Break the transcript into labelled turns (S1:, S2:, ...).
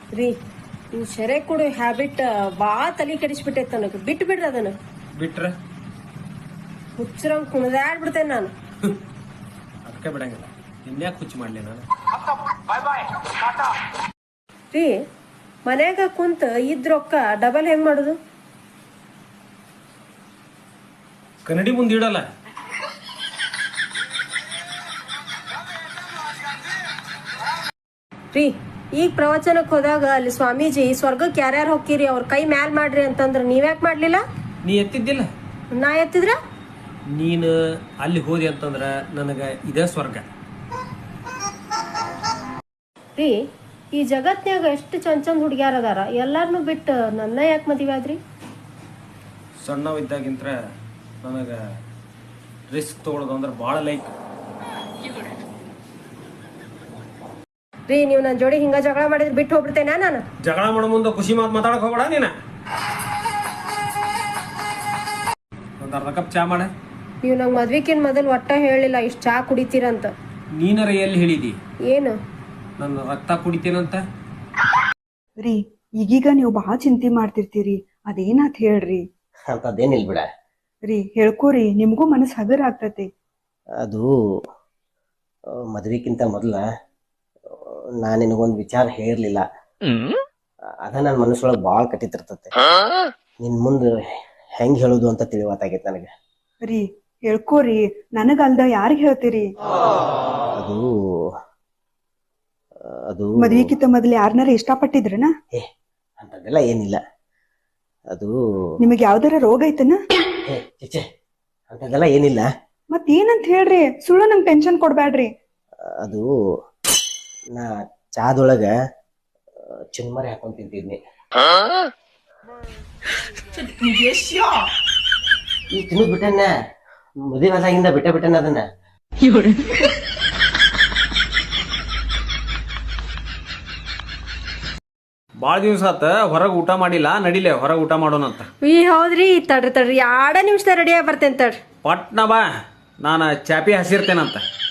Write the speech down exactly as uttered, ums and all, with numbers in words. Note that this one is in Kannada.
S1: ರೀ ನೀವು ಶರೆ ಕೊಡು ಹ್ಯಾಬಿಟ್ ಭಾಳ ತಲೆ ಕೆಡಿಸ್ಬಿಟ್ಟೈತೆ ನನಗೆ ಬಿಟ್ಟು ಬಿಡ್ರಿ ಅದನ್ನು
S2: ಬಿಟ್ರೆ
S1: ಹುಚ್ಚರಂಗ್ ಕುಣಿದಾಡ್ಬಿಡ್ತೇನೆ ನಾನು
S2: ಅದಕ್ಕೆ ಬಿಡಂಗಿಲ್ಲ ಇನ್ಯಾಕೆ ಹುಚ್ಚು ಮಾಡಲಿ ನಾನು
S1: ರೀ ಮನ್ಯಾಗ ಕುಂತ ಇದ್ ರೊಕ್ಕ ಡಬಲ್ ಹೆಂಗ್ ಮಾಡುದು
S2: ಕನ್ನಡಿ ಮುಂದೆ ಇಡಲ್ಲ
S1: ರೀ ಈಗ ಪ್ರವಚನಕ್ಕೆ ಹೋದಾಗ ಅಲ್ಲಿ ಸ್ವಾಮೀಜಿ ಸ್ವರ್ಗಕ್ಕೆ ಯಾರ್ಯಾರು ಹೋಗ್ತೀರಿ ಅವ್ರ ಕೈ ಮ್ಯಾಲ್ ಮಾಡ್ರಿ ಅಂತಂದ್ರ ನೀವ್ಯಾಕೆ ಮಾಡ್ಲಿಲ್ಲ
S2: ನೀ ಎತ್ತಿದ್ದಿಲ್ಲ
S1: ನಾ ಎತ್ತಿದ್ರ
S2: ನೀನು ಅಲ್ಲಿ ಹೋದಿ ಅಂತಂದ್ರ ನನಗೆ ಇದೇ ಸ್ವರ್ಗ.
S1: ರೀ ಈ ಜಗತ್ನ್ಯಾಗ ಎಷ್ಟು ಚಂದ ಚಂದ ಹುಡುಗ್ಯಾರ ಅದಾರ ಎಲ್ಲಾರನು ಬಿಟ್ಟು ನನ್ನ ಯಾಕೆ ಮದುವೆ ಆದ್ರಿ
S2: ಸಣ್ಣವಿದ್ದಾಗಿಂತ ನನಗೆ ರಿಸ್ಕ್ ತಗೊಳ್ಳೋದು ಅಂದ್ರೆ ಭಾಳ ಲೈಕ್.
S1: ರೀ ನೀವು ನನ್ನ ಜೋಡಿ ಹಿಂಗ ಜಗಳ ಮಾಡಿದ್ರೆ ಬಿಟ್ಟು ಹೋಗ್ಬಿಡ್ತೇನೆ ನಾನು.
S2: ಜಗಳ ಮಾಡೋ ಮುಂದೆ ಖುಷಿ ಮಾತು ಮಾತಾಡಕ್ ಹೋಗ್ಬೇಡ ನೀನ. ಒಂದು ಅರ್ಧ ಕಪ್ ಚಾ ಮಾಡ.
S1: ನೀವು ನಂಗೆ ಮದ್ವಿಕಿನ್ ಮೊದಲು ಒಟ್ಟ ಹೇಳಿಲ್ಲ ಇಷ್ಟು ಚಾ ಕುಡಿತೀರಂತ.
S2: ನೀನರ ಎಲ್ಲಿ ಹೇಳಿದಿ
S1: ಏನು
S2: ನನ್ನ ರಕ್ತ ಕುಡಿತೀನಂತ?
S3: ರೀ ಈಗೀಗ ನೀವು ಬಹಳ ಚಿಂತೆ ಮಾಡ್ತಿರ್ತೀರಿ, ಅದೇನಾತ್ ಹೇಳ್ರಿ.
S4: ಅಂತದೇನಿಲ್ಲ ಬಿಡ.
S3: ರೀ ಹೇಳ್ಕೋರಿ, ನಿಮ್ಗೂ ಮನಸ್ಸು ಹಗರ ಆಗ್ತತಿ.
S4: ಅದು ಮದ್ವಿಕ್ಕಿಂತ ಮೊದಲ ನಾ ನಿನಗೊಂದು ವಿಚಾರ ಹೇಳಿರ್ಲಿಲ್ಲ, ಅದ ನನ್ನ ಮನಸ್ಸೊಳಗೆ ಭಾಳ ಕಟ್ಟಿತಿರ್ತತೆ. ನಿನ್ ಮುಂದೆ ಹೆಂಗ್ ಹೇಳುದು ಅಂತ ತಿಳಿವಾತಾಗೈತೆ ನನಗೆ.
S3: ರೀ ಹೇಳ್ಕೋರಿ, ನನಗಲ್ದ ಯಾರಿಗ್ ಹೇಳ್ತೀರಿ?
S4: ಅದು ಅದು
S3: ಮದ್ವಿಕ್ಕಿಂತ ಮೊದಲು ಯಾರನ್ನಾರ ಇಷ್ಟಪಟ್ಟಿದ್ರನ?
S4: ಏ ಅಂತದೆಲ್ಲ ಏನಿಲ್ಲ. ಅದು
S3: ನಿಮಗೆ ಯಾವ್ದಾರ ರೋಗ ಐತನ?
S4: ಏ ಚಿಚ್ಚೆ ಅಂತದೆಲ್ಲ ಏನಿಲ್ಲ.
S3: ಮತ್ ಏನಂತ ಹೇಳ್ರಿ, ಸುಳ್ಳು ನಂಗೆ ಟೆನ್ಷನ್ ಕೊಡ್ಬ್ಯಾಡ್ರಿ.
S4: ಅದು ನಾ ಚಾದೊಳಗ ಚುನ್ಮರಿ ಹಾಕೊಂಡ್ ತಿಂತಿದ್ನಿ. ಈಗ ತಿನ್ನದ್ ಬಿಟ್ಟನ, ಮದುವೆ ಆದಾಗಿಂದ ಬಿಟ್ಟ ಬಿಟ್ಟನ ಅದನ್ನ.
S2: ಭಾಳ ದಿವಸ ಆತ ಹೊರಗೆ ಊಟ ಮಾಡಿಲ್ಲ, ನಡಿಲೆ ಹೊರಗೆ ಊಟ ಮಾಡೋಣಂತ.
S1: ಈ ಹೌದ್ರಿ ತಡ್ರಿ ತಡ್ರಿ ಎರಡ ನಿಮಿಷ ರೆಡಿಯಾಗಿ ಬರ್ತೇನೆ ತಡ್ರಿ.
S2: ಪಟ್ನ ಬಾ, ನಾನು ಚಾಪಿ ಹಸಿರ್ತೇನಂತ.